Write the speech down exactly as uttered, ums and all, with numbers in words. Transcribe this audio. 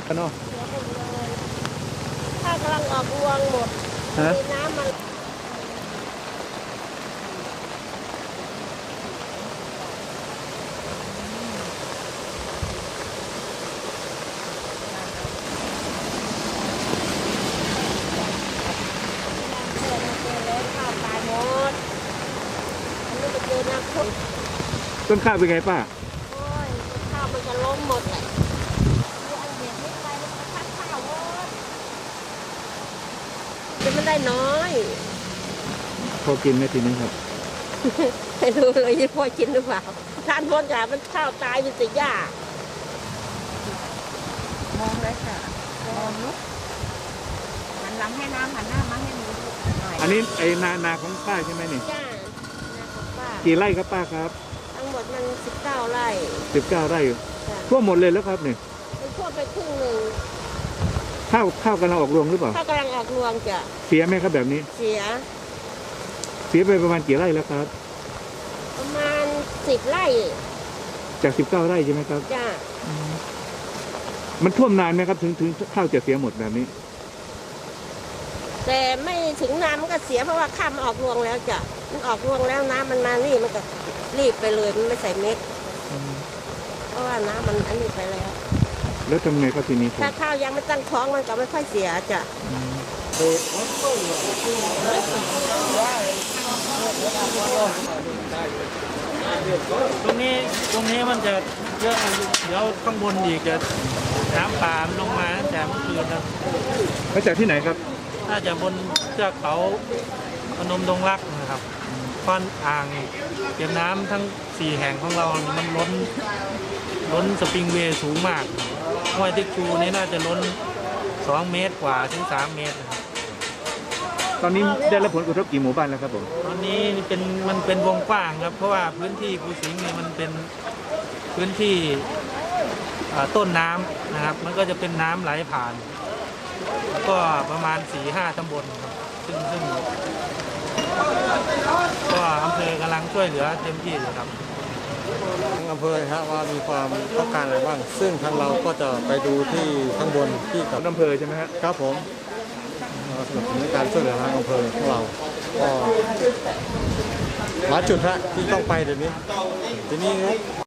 เนาะถ้ากำลังออกรวงหมดมีน้ำมันต้นข้าวเป็นไงป้าโอ้ยข้าวมันจะล้มหมดเลยอันเดียวไม่ไปแล้วมันพัดข้าวหมดจะไม่ได้น้อยพอกินไหมทีนี้ครับไม่รู้เลยยี่พ่อกินหรือเปล่าทานพ้นจากมันข้าวตายเป็นสิยากมองเลยค่ะมองลุกหันหลังให้น้ำหันหน้ามาให้หนูหน่อยอันนี้ไอ้นานาของป้าใช่ไหมนี่จ้านาของป้ากี่ไร่ครับป้าครับทั้งหมดมันสิบเก้าไร่สิบเก้าไร่ทั่วหมดเลยแล้วครับเนี่ยมันทั่วไปครึ่งหนึ่งข้าวข้าวกำลังออกรวงหรือเปล่าข้าวกำลังออกรวงจ้ะเสียไหมครับแบบนี้เสียเสียไปประมาณกี่ไร่แล้วครับประมาณสิบไร่จากสิบเก้าไร่ใช่ไหมครับจ้ามันท่วมนานไหมครับถึงถึงข้าวจะเสียหมดแบบนี้แต่ไม่ถึงน้ำมันก็เสียเพราะว่าข้ามออกรวงแล้วจ้ะมันออกรวงแล้วน้ำมันมานี่มันก็รีบไปเลยมันไม่ใส่เม็ดเพราะว่าน้ำมันอันนี้ไปแล้วแล้วทำไงครับทีนี้ถ้าข้าวยังไม่ตั้งท้องมันก็ไม่ค่อยเสียจ้ะตรงนี้ตรงนี้มันจะเยอะเดี๋ยวข้างบนอีกจะน้ำป่าลงมาตั้งแต่เมื่อคืนครับมาจากที่ไหนครับน่าจะบนเทือกเขาพนมดงรักนะครับก้อนอ่างเก็บน้ำทั้งสี่แห่งของเรามันล้นล้นสปริงเวย์สูงมากห้วยติ๊กชูนี่น่าจะล้นสองเมตรกว่าถึงสามเมตรตอนนี้ได้รับผลกระทบกี่หมู่บ้านแล้วครับผมตอนนี้เป็นมันเป็นวงกว้างครับเพราะว่าพื้นที่ภูสิงห์นี่มันเป็นพื้นที่ต้นน้ำนะครับมันก็จะเป็นน้ำไหลผ่านแล้วก็ประมาณ สี่ห้า ตำบลครับซึ่งซึ่งก็อำเภอกำลังช่วยเหลือเต็มที่เลยครับทางอำเภอครับว่ามีความต้องการอะไรบ้างซึ่งทางเราก็จะไปดูที่ข้างบนที่กับอำเภอใช่ไหมครับครับผมสนับสนุนการช่วยเหลือทางอำเภอของเราก็หลายจุดฮะที่ต้องไปเดี๋ยวนี้ทีนี้